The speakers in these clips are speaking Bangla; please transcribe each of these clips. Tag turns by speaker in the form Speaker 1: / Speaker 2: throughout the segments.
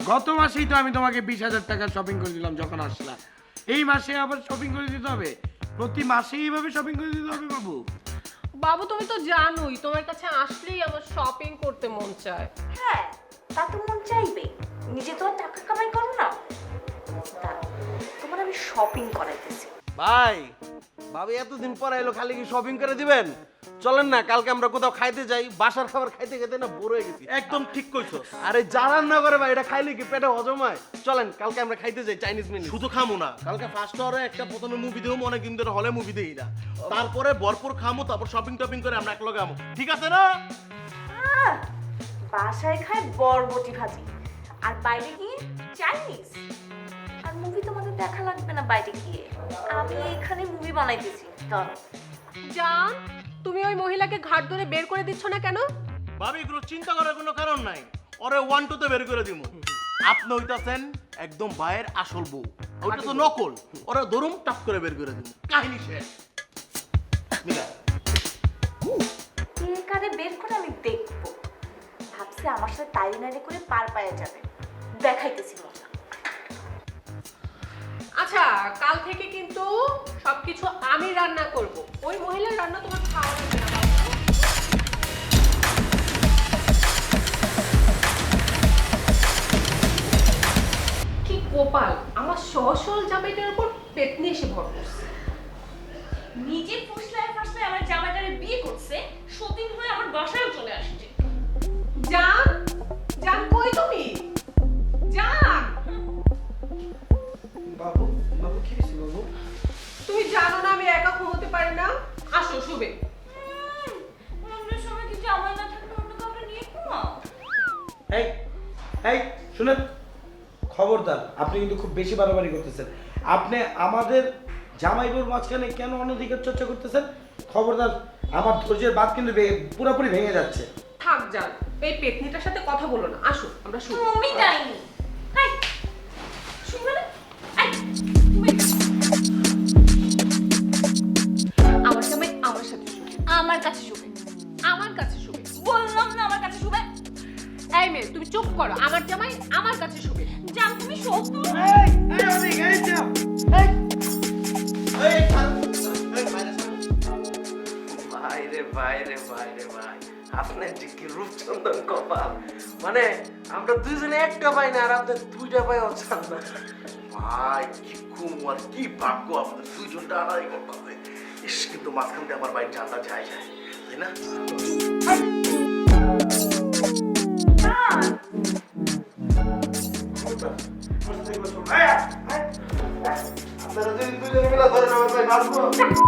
Speaker 1: গত মাসেই তো আমি তোমাকে 20,000 টাকা শপিং করে দিলাম যখন আসলা। এই মাসে আবার শপিং করে দিতে হবে? প্রতি মাসেই এইভাবে শপিং করে দিতে হবে বাবু?
Speaker 2: বাবু তুমি তো জানোই তোমার কাছে আসলেই আমার শপিং করতে মন চায়।
Speaker 3: হ্যাঁ, তা তো মন চাইবে, নিজে তো আর টাকা কামাই করো না। দাঁড়াও, তোমার আমি শপিং করাইতেছি।
Speaker 4: ভাই ভাবি এতদিন পরে এলো, খালি কি শপিং করে দিবেন? চলেন না কালকে আমরা কোথাও খাইতে যাই, বাসার খাবার খাইতে খেতে না বোর হয়ে গেছি।
Speaker 5: একদম ঠিক কইছো।
Speaker 4: আরে যা রান্না করে ভাই, এটা খাইলে কি পেটে হজম হয়? চলেন কালকে আমরা খাইতে যাই চাইনিজ মেনু।
Speaker 5: শুধু খামু না, কালকে ফার্স্ট আওয়ারে একটা প্রথমে মুভি দেবো, অনেকদিন ধরে হলে মুভি দেই না। তারপরে ভরপুর খামু, তারপর শপিং টপিং করে আমরা একলগে আমু, ঠিক আছে না?
Speaker 3: বাসায় খায় বরবটি ভাজি, আর বাইরে গিয়ে চাইনিজ। আর মুভি তোমাদের দেখা লাগবে না বাইরে গিয়ে, আমি এখানে মুভি বানাইতেছি। দাঁড়াও,
Speaker 2: জান, তুমি ওই মহিলাকে ঘাট ধরে বের করে দিচ্ছ না কেন?
Speaker 5: ভাবি এগুলো চিন্তা করার কোনো কারণ নাই, ওরে 1-2 তে বের করে দিব। আপনি হইতাছেন একদম ভাইয়ের আসল বউ, ওইটা তো নকল। ওরা দরুম টাপ করে বের করে দিব, কাহিনী শেষ। মিলা
Speaker 3: কে কারে বের করে আমি দেখবো। ভাবছি আমার সাথে তাই নাড়ি করে পার পায়ে যাবে, দেখাইতেছি মজা।
Speaker 2: আচ্ছা, কাল থেকে কিন্তু সবকিছু আমি রান্না করব। ওই মহিলার রান্না তোমার খাওয়া লাগবে না বাবু। কি গোপাল, আমার সহসল জামাইটার উপর পেতনি এসে ভর করছে।
Speaker 3: নিজে ফুসলায় ফাসলায় আমার জামাইটারে বিয়ে করছে, সতীন হয়ে আমার বাসায় চলে আসছে।
Speaker 2: জান, জান কই তুমি? জান,
Speaker 1: বাবু বাবু কি হয়েছে বাবু?
Speaker 2: তুমি জানো না আমি একা ঘুমোতে পারি না। আসো শুবে।
Speaker 3: অন্য সময় কি জামাই না থাকলে অন্য কাউকে নিয়ে ঘুমাও?
Speaker 1: এই এই শুনেন, খবরদার, আপনি কিন্তু খুব বেশি বাড়াবাড়ি করতেছেন। আপনি আমাদের জামাইবুর মাঝখানে কেন অনধিকার চর্চা করতেছেন? খবরদার, আমার ধৈর্যের বাঁধ কিন্তু পুরোপুরি ভেঙে যাচ্ছে।
Speaker 2: থাক জান, এই পেতনিটার সাথে কথা বলো না। আসো আমরা শুব।
Speaker 3: তুমি ডাইনি। হাই, শুনবে না? আই, তুমি আমার জামাই আমার সাথে শুবে, আমার কাছে শুবে।
Speaker 2: আমার কাছে শুবে।
Speaker 3: বললাম না আমার কাছে শুবে।
Speaker 2: এই মেয়ে, তুমি চুপ করো। আমার জামাই আমার কাছে শুবে।
Speaker 3: জান তুমি সত্য।
Speaker 1: এই এই অনেক এই যাও। এই
Speaker 4: এই ভাই রে ভাই রে ভাই রে ভাই, আপনার যে কি রূপচন্দন কপাল! মানে আমরা দুইজনে একটা পাই না, আর আপনার দুইটা পাই অচান না।
Speaker 5: ভাই কি কুমার, কি ভাগ্য আমাদের দুইজনটা আড়াই করতে হবে। ইস, কিন্তু মাঝখান দিয়ে আমার বাইক জানটা যায় যায়, তাই না?
Speaker 4: আপনারা দুইজনে মিলে ধরে নেবেন ভাই, মারবো।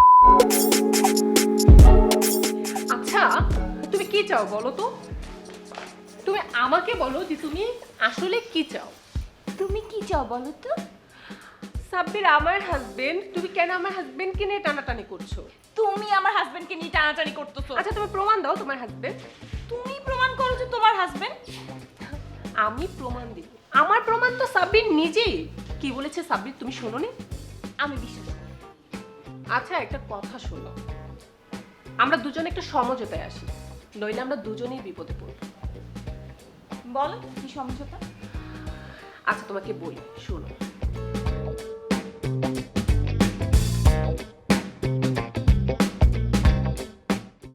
Speaker 2: আচ্ছা, তুমি কি চাও বলো তো? তুমি আমাকে বলো যে তুমি আসলে কি চাও।
Speaker 3: তুমি কি চাও বলো তো?
Speaker 2: সাব্বির আমার হাজবেন্ড, তুমি কেন আমার হাজবেন্ডকে নিয়ে টানাটানি করছো?
Speaker 3: তুমি আমার হাজবেন্ডকে নিয়ে টানাটানি করতেছো।
Speaker 2: আচ্ছা, তুমি প্রমাণ দাও তোমার হাজবেন্ড।
Speaker 3: তুমি প্রমাণ করো যে তোমার হাজবেন্ড।
Speaker 2: আমি প্রমাণ দিব। আমার প্রমাণ তো সাব্বির নিজেই। কি বলেছে সাব্বির তুমি শোনোনি?
Speaker 3: আমি বিশ্বাস করি।
Speaker 2: আচ্ছা, একটা কথা শোনো, আমরা দুজনে একটা সমঝোতায় আসি, নইলে আমরা দুজনেই বিপদে পড়ব।
Speaker 3: বলো কি সমঝোতা?
Speaker 2: আচ্ছা তোমাকে বলি, শোনো।